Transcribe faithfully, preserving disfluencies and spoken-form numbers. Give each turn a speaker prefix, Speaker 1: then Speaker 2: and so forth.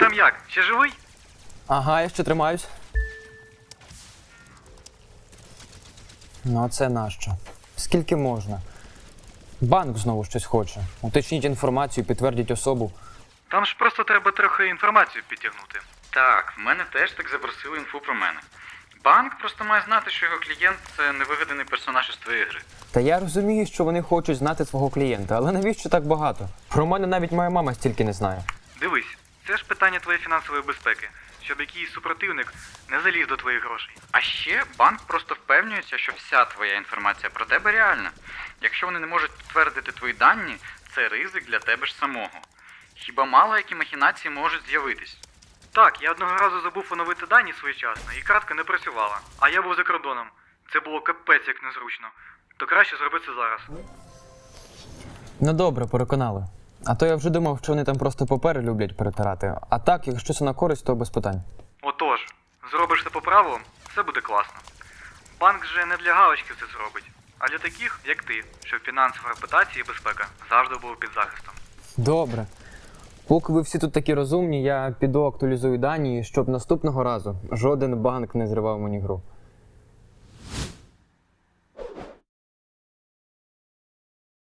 Speaker 1: там як? Ще живий?
Speaker 2: Ага, я ще тримаюсь. Ну, а це нащо? Скільки можна? Банк знову щось хоче. Уточніть інформацію, підтвердіть особу.
Speaker 1: Там ж просто треба трохи інформацію підтягнути.
Speaker 3: Так, в мене теж так запросили інфу про мене. Банк просто має знати, що його клієнт – це невигаданий персонаж із твоєї гри.
Speaker 2: Та я розумію, що вони хочуть знати свого клієнта, але навіщо так багато? Про мене навіть моя мама стільки не знає.
Speaker 1: Дивись, це ж питання твоєї фінансової безпеки, щоб якийсь супротивник не заліз до твоїх грошей.
Speaker 3: А ще банк просто впевнюється, що вся твоя інформація про тебе реальна. Якщо вони не можуть підтвердити твої дані, це ризик для тебе ж самого. Хіба мало які махінації можуть з'явитись?
Speaker 1: Так, я одного разу забув оновити дані своєчасно, і картка не працювала. А я був за кордоном. Це було капець як незручно. То краще зроби це зараз.
Speaker 2: Ну добре, переконали. А то я вже думав, що вони там просто папери люблять перетирати. А так, якщо це на користь, то без питань.
Speaker 1: Отож, зробиш це по правилам, все буде класно. Банк же не для галочки це зробить, а для таких, як ти, щоб фінансова репутація і безпека завжди були під захистом.
Speaker 2: Добре. Поки ви всі тут такі розумні, я піду актуалізую дані, щоб наступного разу жоден банк не зривав мені гру.